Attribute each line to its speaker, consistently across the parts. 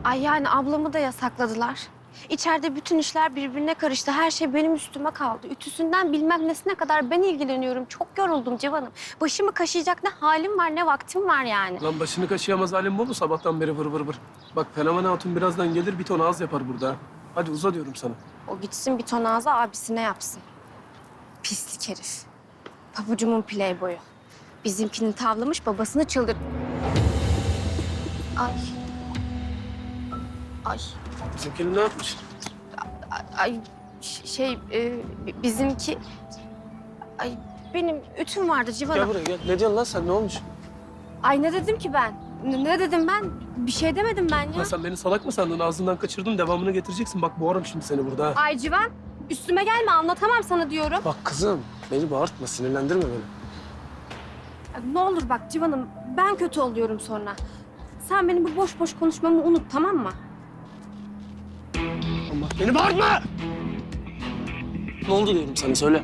Speaker 1: Ay yani ablamı da yasakladılar. İçeride bütün işler birbirine karıştı. Her şey benim üstüme kaldı. Ütüsünden bilmem nesine kadar ben ilgileniyorum. Çok yoruldum Civan'ım. Başımı kaşıyacak ne halim var ne vaktim var yani.
Speaker 2: Lan başını kaşıyamaz halim bu mu sabahtan beri vır vır vır. Bak Fenomen Hatun birazdan gelir bir ton ağız yapar burada. Hadi uza diyorum sana.
Speaker 1: O gitsin bir ton ağza abisine yapsın. Pislik herif. Pabucumun playboyu. Bizimkini tavlamış babasını çıldır... Ay. Ay.
Speaker 2: Bizimkinin ne yapmış?
Speaker 1: Ay bizimki... Ay benim ütüm vardı Civan'ım.
Speaker 2: Gel buraya gel. Ne diyorsun lan sen ne olmuş?
Speaker 1: Ay ne dedim ki ben? Ne dedim ben? Bir şey demedim ben ya.
Speaker 2: Lan sen beni salak mı sandın? Ağzından kaçırdım devamını getireceksin. Bak boğarım şimdi seni burada ha.
Speaker 1: Ay Civan üstüme gelme anlatamam sana diyorum.
Speaker 2: Bak kızım beni bağırtma sinirlendirme beni.
Speaker 1: Ne olur bak Civan'ım ben kötü oluyorum sonra. Sen benim bu boş boş konuşmamı unut tamam mı?
Speaker 2: Allah beni bağırtma! Ne oldu diyorum sana söyle.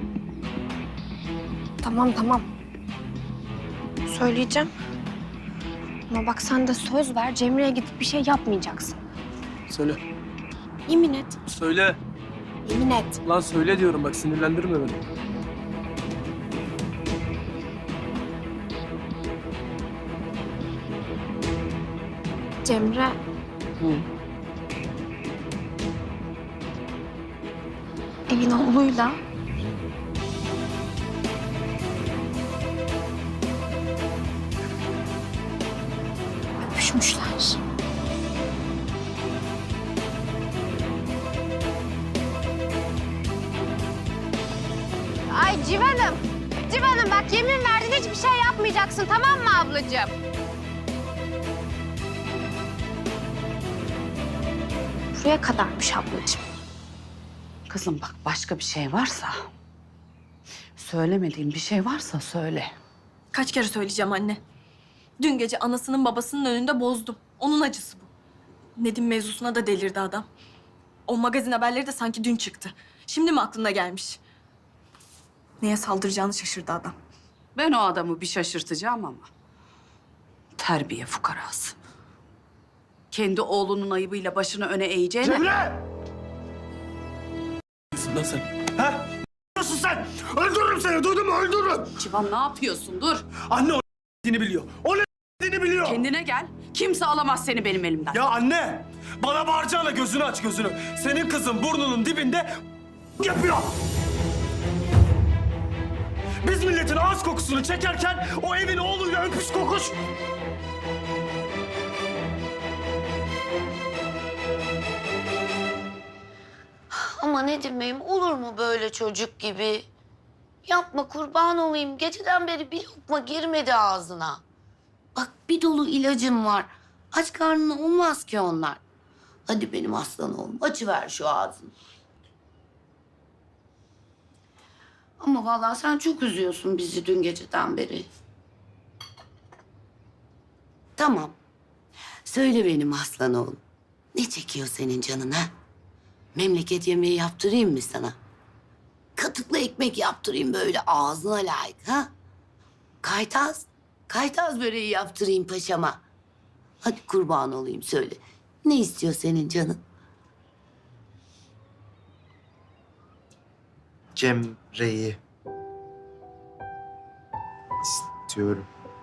Speaker 1: Tamam. Söyleyeceğim. Ama bak sen de söz ver Cemre'ye gidip bir şey yapmayacaksın.
Speaker 2: Söyle.
Speaker 1: Yemin et.
Speaker 2: Söyle.
Speaker 1: Yemin et.
Speaker 2: Lan söyle diyorum bak sinirlendirme beni.
Speaker 1: Cemre
Speaker 2: Hı.
Speaker 1: evin oğluyla öpüşmüşler. Ay Civan'ım bak yemin verdin hiçbir şey yapmayacaksın tamam mı ablacığım? Buraya kadarmış ablacığım.
Speaker 3: Kızım bak başka bir şey varsa... Söylemediğim bir şey varsa söyle.
Speaker 4: Kaç kere söyleyeceğim anne. Dün gece anasının babasının önünde bozdum. Onun acısı bu. Nedim mevzusuna da delirdi adam. O magazin haberleri de sanki dün çıktı. Şimdi mi aklına gelmiş? Neye saldıracağını şaşırdı adam.
Speaker 3: Ben o adamı bir şaşırtacağım ama... Terbiye fukarası. Kendi oğlunun ayıbıyla başını öne eğeceğine...
Speaker 5: Cemre!
Speaker 2: Lan sen.
Speaker 5: Ha? Ne yapıyorsun sen? Öldürürüm seni, duydun mu? Öldürürüm.
Speaker 3: Civan ne yapıyorsun? Dur.
Speaker 5: Anne o dediğini biliyor. O ne dediğini biliyor.
Speaker 3: Kendine gel. Kimse alamaz seni benim elimden.
Speaker 5: Ya anne! Bana bağıracağına gözünü aç gözünü. Senin kızın burnunun dibinde yapıyor. Biz milletin ağız kokusunu çekerken o evin oğluyla öpüş kokuş.
Speaker 6: Ama Nedim Bey'im olur mu böyle çocuk gibi? Yapma kurban olayım. Geceden beri bir lokma girmedi ağzına. Bak bir dolu ilacım var. Aç karnına olmaz ki onlar. Hadi benim aslan oğlum açıver şu ağzını. Ama vallahi sen çok üzüyorsun bizi dün geceden beri. Tamam. Söyle benim aslan oğlum. Ne çekiyor senin canın ha? Memleket yemeği yaptırayım mı sana? Katıklı ekmek yaptırayım böyle ağzına layık ha? Kaytaz böreği yaptırayım paşama. Hadi kurban olayım söyle. Ne istiyor senin canın?
Speaker 7: Cemre'yi istiyorum.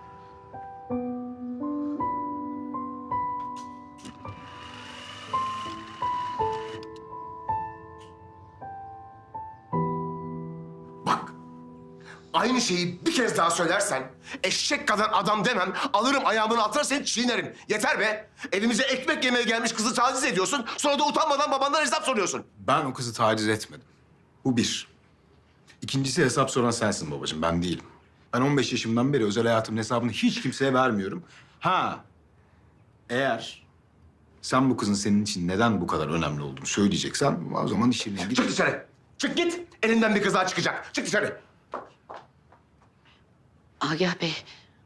Speaker 8: Bak, aynı şeyi bir kez daha söylersen eşek kadar adam demem, alırım ayağımın altına seni çiğnerim. Yeter be! Evimize ekmek yemeye gelmiş kızı taciz ediyorsun, sonra da utanmadan babandan hesap soruyorsun.
Speaker 9: Ben o kızı taciz etmedim. Bu bir. İkincisi hesap soran sensin babacığım, ben değilim. Ben 15 yaşımdan beri özel hayatımın hesabını hiç kimseye vermiyorum. Ha, eğer sen bu kızın senin için neden bu kadar önemli olduğunu söyleyeceksen o zaman işine
Speaker 8: Çık
Speaker 9: git.
Speaker 8: dışarı! Çık git! Elinden bir kız daha çıkacak. Çık dışarı!
Speaker 6: Agah Bey.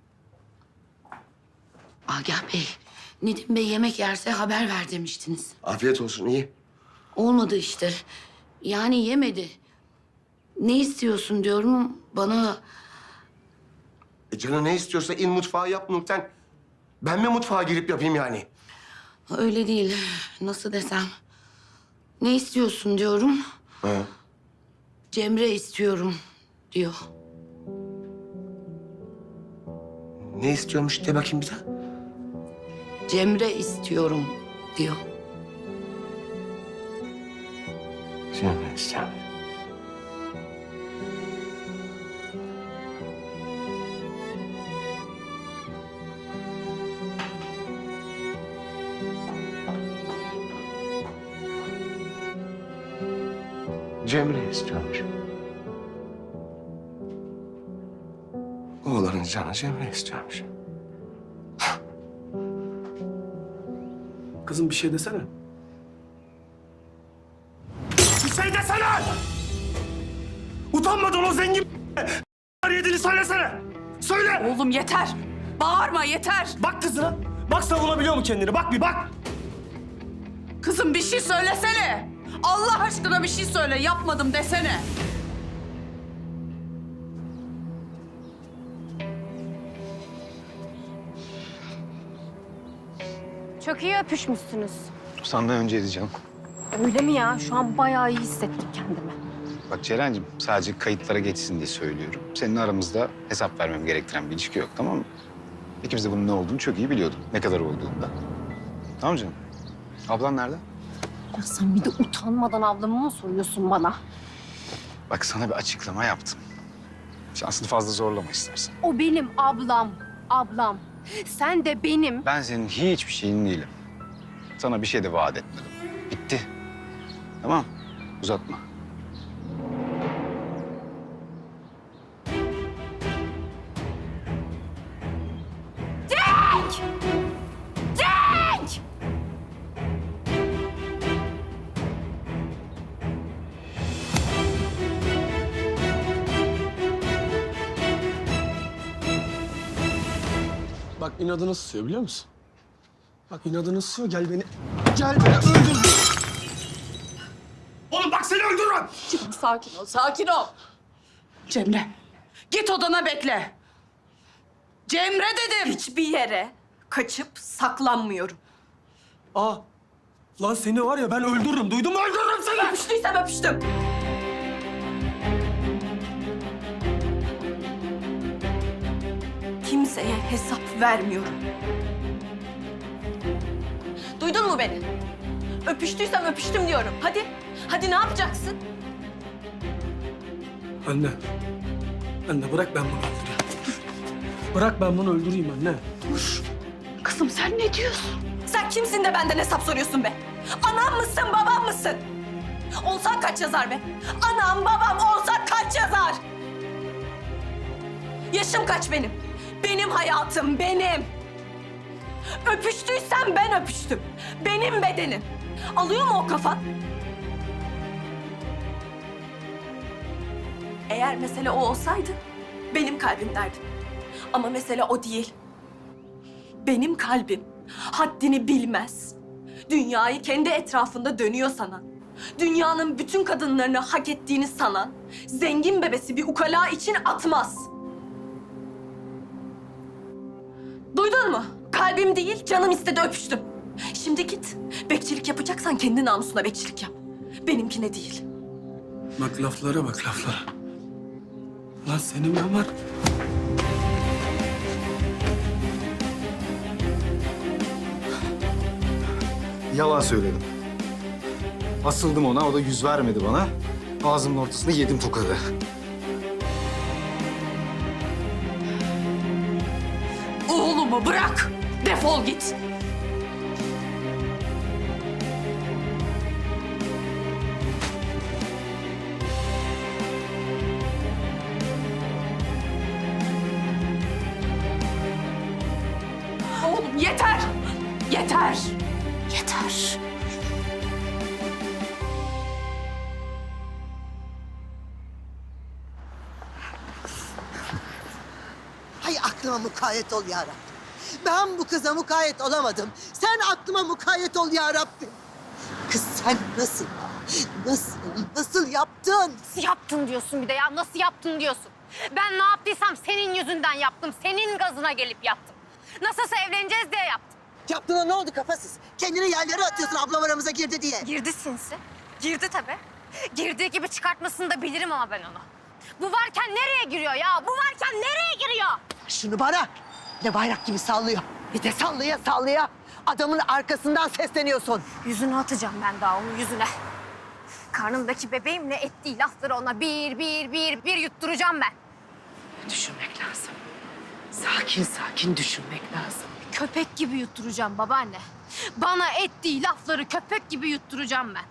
Speaker 6: Agah Bey. Nedim Bey yemek yerse haber ver demiştiniz.
Speaker 8: Afiyet olsun, iyi.
Speaker 6: Olmadı işte. Yani yemedi. Ne istiyorsun diyorum bana.
Speaker 8: Canı ne istiyorsa in mutfağa yap Nurten. Ben mi mutfağa girip yapayım yani?
Speaker 6: Öyle değil. Nasıl desem? Ne istiyorsun diyorum.
Speaker 8: Ha.
Speaker 6: Cemre istiyorum diyor.
Speaker 8: Ne istiyormuş de bakayım bir daha.
Speaker 6: Cemre istiyorum diyor.
Speaker 8: Cemre istiyorum. Cemre istiyormuş. Oğlanın canı Cemre istiyormuş.
Speaker 2: Kızım bir şey desene.
Speaker 5: Bir şey desene! Utanmadın o zengin yediğini söylesene! Söyle!
Speaker 3: Oğlum yeter. Bağırma yeter.
Speaker 5: Bak kızına. Bak savunabiliyor mu kendini? Bak bir bak.
Speaker 3: Kızım bir şey söylesene. Allah aşkına bir şey söyle. Yapmadım desene.
Speaker 1: Çok iyi öpüşmüşsünüz.
Speaker 9: Senden önceydi canım.
Speaker 1: Öyle mi ya? Şu an bayağı iyi hissettim kendimi.
Speaker 9: Bak Ceren'cim sadece kayıtlara geçsin diye söylüyorum. Senin aramızda hesap vermem gerektiren bir ilişki yok, tamam mı? İkimiz de bunun ne olduğunu çok iyi biliyorduk. Ne kadar olduğunu da. Tamam canım. Ablan nerede?
Speaker 1: Ya sen bir de utanmadan ablamı mı soruyorsun bana?
Speaker 9: Bak sana bir açıklama yaptım. Şansını fazla zorlama istersen.
Speaker 1: O benim ablam. Ablam. Sen de benim.
Speaker 9: Ben senin hiçbir şeyin değilim. Sana bir şey de vaat etmedim. Bitti. Tamam. Uzatma.
Speaker 2: Bak inadını sıkıyor biliyor musun? Bak inadını sıkıyor. Gel beni öldür.
Speaker 5: Oğlum bak seni öldürürüm.
Speaker 3: Sakin ol, sakin ol. Cemre, git odana bekle. Cemre dedim.
Speaker 4: Hiçbir yere kaçıp saklanmıyorum.
Speaker 5: Aa. Lan seni var ya ben öldürürüm. Duydun mu? Öldürürüm seni.
Speaker 4: Öpüştüysem öpüştüm. Kimseye hesap vermiyorum. Duydun mu beni? Öpüştüysem öpüştüm diyorum. Hadi, hadi ne yapacaksın?
Speaker 2: Anne. Anne bırak ben bunu öldüreyim. Bırak ben bunu öldüreyim anne.
Speaker 3: Kızım sen ne diyorsun?
Speaker 4: Sen kimsin de benden hesap soruyorsun be? Anam mısın, babam mısın? Olsan kaç yazar be? Anam, babam olsa kaç yazar? Yaşım kaç benim? Benim hayatım, benim. Öpüştüysem ben öpüştüm. Benim bedenim. Alıyor mu o kafan? Eğer mesele o olsaydı benim kalbim derdim. Ama mesele o değil. Benim kalbim haddini bilmez. Dünyayı kendi etrafında dönüyor sanan, dünyanın bütün kadınlarını hak ettiğini sanan, zengin bebesi bir ukala için atmaz. Duydun mu? Kalbim değil, canım istedi öpüştüm. Şimdi git. Bekçilik yapacaksan kendi namusuna bekçilik yap. Benimkine değil.
Speaker 2: Bak laflara bak laflara. Lan senin ben var.
Speaker 9: Yalan söyledim. Asıldım ona, o da yüz vermedi bana. Ağzımın ortasına yedim tokadı.
Speaker 3: Oğlumu bırak. Defol git. Oğlum yeter. Yeter. Yeter.
Speaker 10: Hay aklıma mukayyet ol ya Rabbim. Ben bu kıza mukayyet olamadım. Sen aklıma mukayyet ol ya Rabbim. Kız sen nasıl yaptın?
Speaker 1: Nasıl yaptın diyorsun bir de ya? Nasıl yaptın diyorsun? Ben ne yaptıysam senin yüzünden yaptım. Senin gazına gelip yaptım. Nasılsa evleneceğiz diye yaptım.
Speaker 10: Yaptığına ne oldu kafasız? Kendini yerlere atıyorsun ablam aramıza girdi diye.
Speaker 1: Girdi sinsi. Girdi tabii. Girdiği gibi çıkartmasını da bilirim ama ben onu. Bu varken nereye giriyor ya? Bu varken nereye giriyor?
Speaker 10: Şunu bana. Ne bayrak gibi sallıyor. Bir de sallaya sallaya. Adamın arkasından sesleniyorsun.
Speaker 1: Yüzüne atacağım ben daha onun yüzüne. Karnımdaki bebeğimle ettiği lafları ona bir yutturacağım ben.
Speaker 10: Düşünmek lazım. Sakin sakin düşünmek lazım.
Speaker 1: Köpek gibi yutturacağım babaanne. Bana ettiği lafları köpek gibi yutturacağım ben.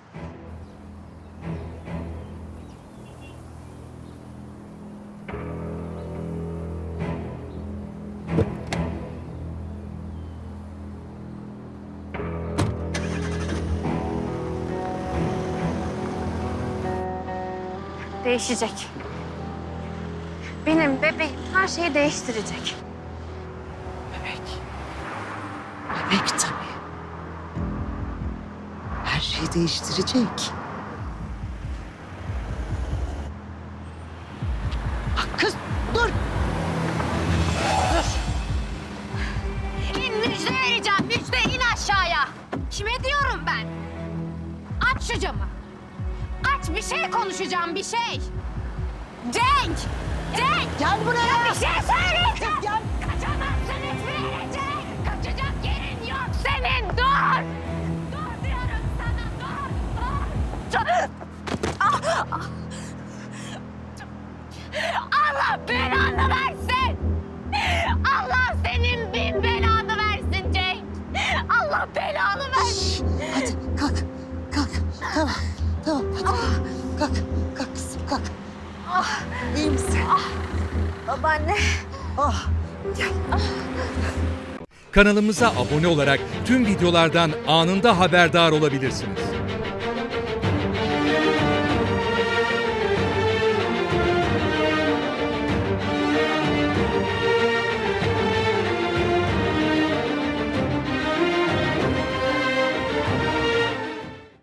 Speaker 1: Değişecek. Benim bebeğim her şeyi değiştirecek.
Speaker 10: Bebek. Bebek tabii. Her şeyi değiştirecek. Kız dur.
Speaker 1: İn müjde vereceğim, müjde in aşağıya. Kime diyorum ben? Aç şu camı. Aç bir şey konuşacağım, bir şey. Cenk! Cenk!
Speaker 10: Gel buraya.
Speaker 1: Bir şey söyleyeceğim.
Speaker 10: Gel.
Speaker 1: Kaçamazsın hiçbir yere Cenk. Kaçacak yerin yok senin, dur! Dur diyorum sana, dur! Allah belanı versin! Allah senin bin belanı versin Cenk! Allah belanı versin!
Speaker 10: Hadi kalk. Kalk. Tamam. Tamam. Hadi. Kalk. Kalk kızım kalk. İyi misin?
Speaker 1: Babaanne.
Speaker 10: Oh.
Speaker 11: Kanalımıza abone olarak tüm videolardan anında haberdar olabilirsiniz.